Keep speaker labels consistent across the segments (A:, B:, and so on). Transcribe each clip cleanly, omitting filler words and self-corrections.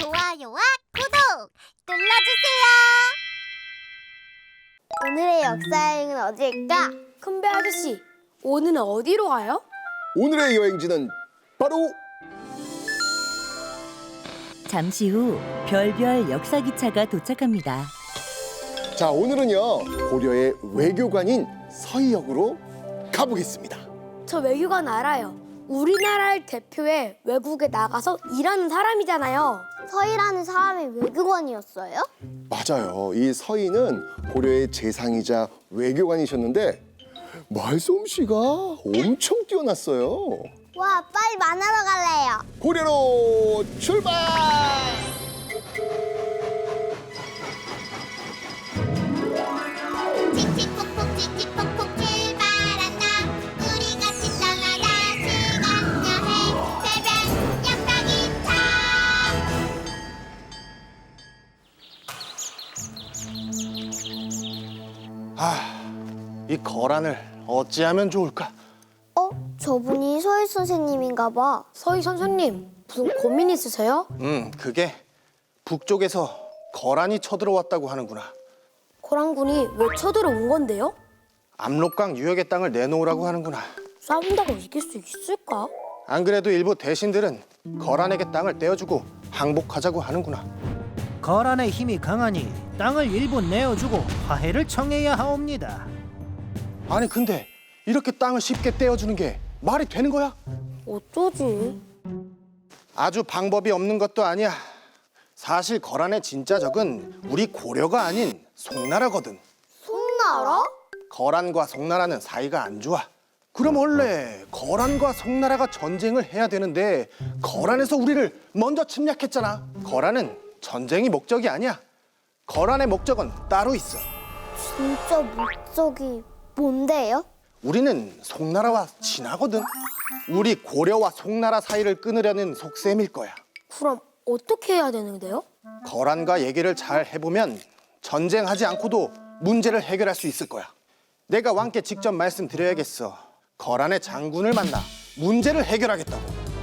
A: 좋아요와 구독 눌러주세요.
B: 오늘의 역사여행은 어디일까?
C: 큰배 아저씨, 오늘은 어디로 가요?
D: 오늘의 여행지는 바로
E: 잠시 후 별별 역사기차가 도착합니다.
D: 자, 오늘은요 고려의 외교관인 서희역으로 가보겠습니다.
C: 저 외교관 알아요. 우리나라를 대표해 외국에 나가서 일하는 사람이잖아요.
B: 서희라는 사람이 외교관이었어요?
D: 맞아요. 이 서희는 고려의 재상이자 외교관이셨는데 말솜씨가 엄청 뛰어났어요.
B: 와, 빨리 만나러 갈래요.
D: 고려로 출발!
A: 칙칙폭폭 칙칙폭폭 출발한다. 우리 같이 떠나자. 시간 여행 새벽 역사기차.
F: 이 거란을 어찌하면 좋을까?
B: 저분이 서희 선생님인가 봐.
C: 서희 선생님, 무슨 고민 있으세요?
F: 그게 북쪽에서 거란이 쳐들어왔다고 하는구나.
C: 고랑군이 왜 쳐들어온 건데요?
F: 압록강 유역의 땅을 내놓으라고 하는구나.
C: 싸운다고 이길 수 있을까?
F: 안 그래도 일부 대신들은 거란에게 땅을 떼어주고 항복하자고 하는구나.
G: 거란의 힘이 강하니 땅을 일부 내어주고 화해를 청해야 하옵니다.
F: 아니 근데 이렇게 땅을 쉽게 떼어주는 게 말이 되는 거야?
C: 어쩌지?
F: 아주 방법이 없는 것도 아니야. 사실 거란의 진짜 적은 우리 고려가 아닌 송나라거든.
B: 송나라?
F: 거란과 송나라는 사이가 안 좋아. 그럼 원래 거란과 송나라가 전쟁을 해야 되는데 거란에서 우리를 먼저 침략했잖아. 거란은 전쟁이 목적이 아니야. 거란의 목적은 따로 있어.
B: 진짜 목적이 뭔데요?
F: 우리는 송나라와 친하거든. 우리 고려와 송나라 사이를 끊으려는 속셈일 거야.
C: 그럼 어떻게 해야 되는데요?
F: 거란과 얘기를 잘 해보면 전쟁하지 않고도 문제를 해결할 수 있을 거야. 내가 왕께 직접 말씀드려야겠어. 거란의 장군을 만나 문제를 해결하겠다고.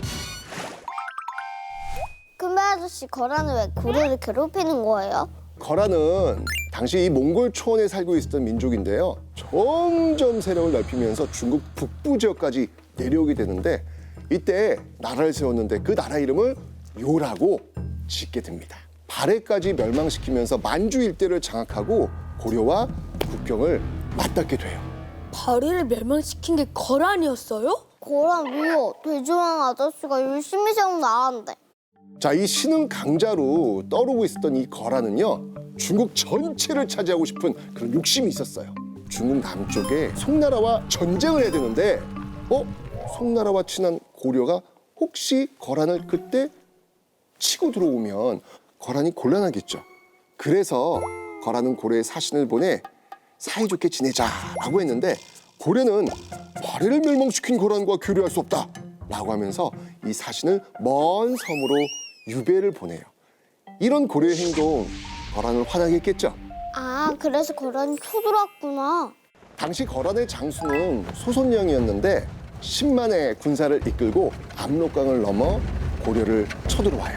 B: 금배 아저씨, 거란은 왜 고려를 괴롭히는 거예요?
D: 거란은 당시 이 몽골 초원에 살고 있었던 민족인데요. 점점 세력을 넓히면서 중국 북부 지역까지 내려오게 되는데 이때 나라를 세웠는데 그 나라 이름을 요라고 짓게 됩니다. 발해까지 멸망시키면서 만주 일대를 장악하고 고려와 국경을 맞닿게 돼요.
C: 발해를 멸망시킨 게 거란이었어요?
B: 거란 왜요? 돼지왕 아저씨가 열심히 세운 나라인데.
D: 자, 이 신흥 강자로 떠오르고 있었던 이 거란은요 중국 전체를 차지하고 싶은 그런 욕심이 있었어요. 중국 남쪽에 송나라와 전쟁을 해야 되는데 송나라와 친한 고려가 혹시 거란을 그때 치고 들어오면 거란이 곤란하겠죠. 그래서 거란은 고려에 사신을 보내 사이좋게 지내자라고 했는데 고려는 발해를 멸망시킨 거란과 교류할 수 없다라고 하면서 이 사신을 먼 섬으로 유배를 보내요. 이런 고려의 행동 거란을 화나게 했겠죠.
B: 아, 그래서 거란이 쳐들어왔구나.
D: 당시 거란의 장수는 소손령이었는데 10만의 군사를 이끌고 압록강을 넘어 고려를 쳐들어와요.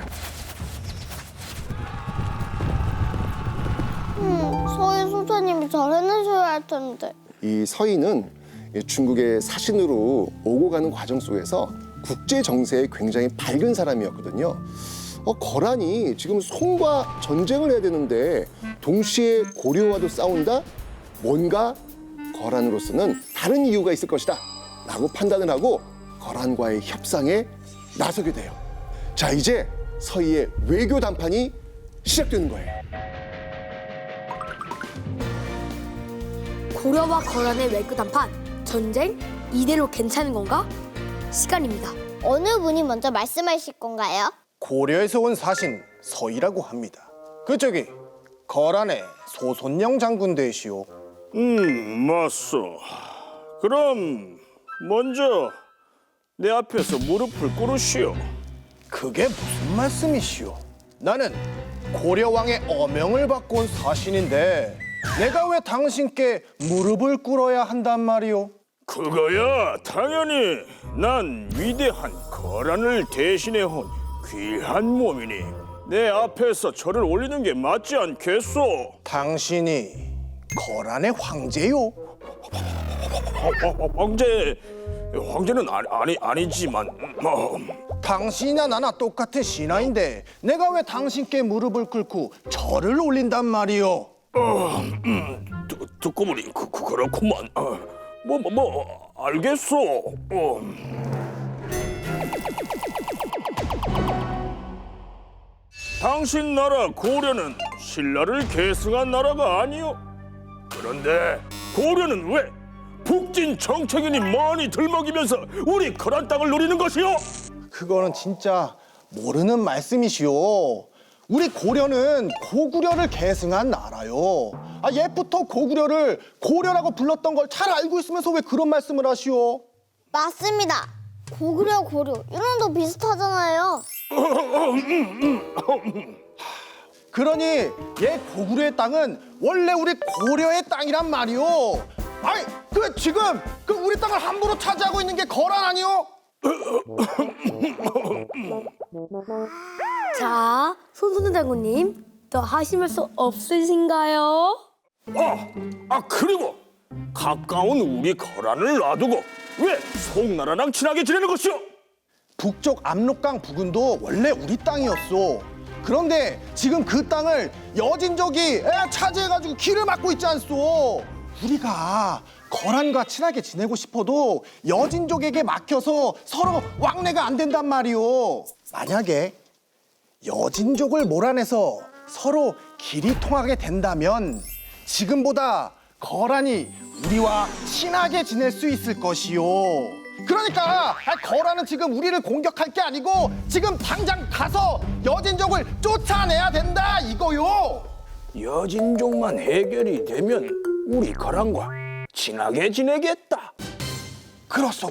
B: 서희 선생님이 잘 해내셔야 할 텐데.
D: 이 서희는 중국의 사신으로 오고 가는 과정 속에서 국제 정세에 굉장히 밝은 사람이었거든요. 거란이 지금 송과 전쟁을 해야 되는데 동시에 고려와도 싸운다? 뭔가 거란으로서는 다른 이유가 있을 것이다 라고 판단을 하고 거란과의 협상에 나서게 돼요. 자, 이제 서희의 외교談判이 시작되는 거예요.
C: 고려와 거란의 외교談判, 전쟁? 이대로 괜찮은 건가? 시간입니다.
B: 어느 분이 먼저 말씀하실 건가요?
F: 고려에서 온 사신 서희라고 합니다. 그쪽이 거란의 소손영 장군 되시오.
H: 맞소. 그럼 먼저 내 앞에서 무릎을 꿇으시오.
F: 그게 무슨 말씀이시오? 나는 고려왕의 어명을 받고 온 사신인데 내가 왜 당신께 무릎을 꿇어야 한단 말이오?
H: 그거야 당연히 난 위대한 거란을 대신해 온 귀한 몸이니 내 앞에서 절을 올리는 게 맞지 않겠소?
F: 당신이 거란의 황제요?
H: 황제는 아니지만
F: 당신이나 나나 똑같은 신하인데 내가 왜 당신께 무릎을 꿇고 절을 올린단 말이오?
H: 듣고 보니 그렇구만. 알겠소. 당신 나라 고려는 신라를 계승한 나라가 아니오. 그런데 고려는 왜 북진 정책인이 많이 들먹이면서 우리 거란 땅을 노리는 것이오?
F: 그거는 진짜 모르는 말씀이시오. 우리 고려는 고구려를 계승한 나라요. 옛부터 고구려를 고려라고 불렀던 걸 잘 알고 있으면서 왜 그런 말씀을 하시오?
B: 맞습니다. 고구려, 고려 이름도 비슷하잖아요.
F: 그러니 옛 고구려의 땅은 원래 우리 고려의 땅이란 말이오. 아니, 지금 우리 땅을 함부로 차지하고 있는 게 거란 아니오?
C: 자, 손순우 장군님, 더 하실 말씀 없으신가요?
H: 그리고 가까운 우리 거란을 놔두고 왜 송나라랑 친하게 지내는 것이오?
F: 북쪽 압록강 부근도 원래 우리 땅이었어. 그런데 지금 그 땅을 여진족이 차지해가지고 길을 막고 있지 않소. 우리가 거란과 친하게 지내고 싶어도 여진족에게 막혀서 서로 왕래가 안 된단 말이오. 만약에 여진족을 몰아내서 서로 길이 통하게 된다면 지금보다 거란이 우리와 친하게 지낼 수 있을 것이요. 그러니까 거란은 지금 우리를 공격할 게 아니고 지금 당장 가서 여진족을 쫓아내야 된다 이거요.
H: 여진족만 해결이 되면 우리 거란과 친하게 지내겠다.
F: 그렇소.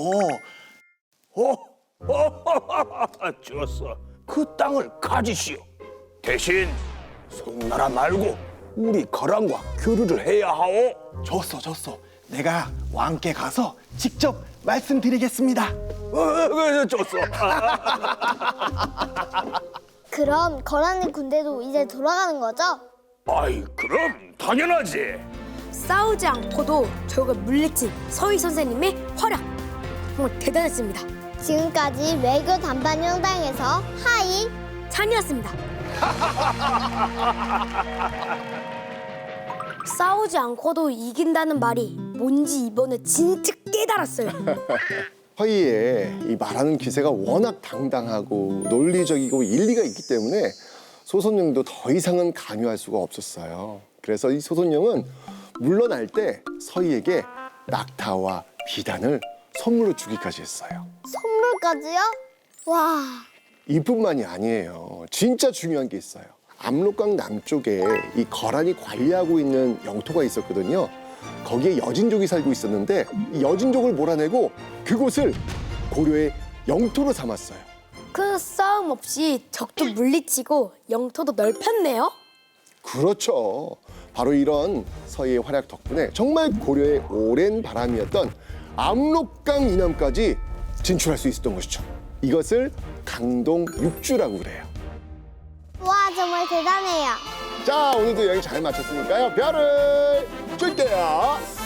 H: 좋았어. 그 땅을 가지시오. 대신 송나라 말고 우리 거란과 교류를 해야 하오.
F: 좋소. 내가 왕께 가서 직접 말씀드리겠습니다.
H: 좋소.
B: 그럼 거란의 군대도 이제 돌아가는 거죠?
H: 그럼 당연하지.
C: 싸우지 않고도 적을 물리친 서희 선생님의 활약 정말 대단했습니다.
B: 지금까지 외교 단반 영당에서 하이
C: 찬이었습니다. 싸우지 않고도 이긴다는 말이 뭔지 이번에 진짜 깨달았어요.
D: 허이의 이 말하는 기세가 워낙 당당하고 논리적이고 일리가 있기 때문에 소선영도 더 이상은 강요할 수가 없었어요. 그래서 이 소선영은 물러날 때 서희에게 낙타와 비단을 선물로 주기까지 했어요.
B: 선물까지요? 와,
D: 이뿐만이 아니에요. 진짜 중요한 게 있어요. 압록강 남쪽에 이 거란이 관리하고 있는 영토가 있었거든요. 거기에 여진족이 살고 있었는데 이 여진족을 몰아내고 그곳을 고려의 영토로 삼았어요.
C: 그 싸움 없이 적도 물리치고 영토도 넓혔네요.
D: 그렇죠. 바로 이런 서희의 활약 덕분에 정말 고려의 오랜 바람이었던 압록강 이남까지 진출할 수 있었던 것이죠. 이것을 강동 육주라고 그래요.
B: 와 정말 대단해요.
D: 자, 오늘도 여행 잘 마쳤으니까요. 별을 줄게요.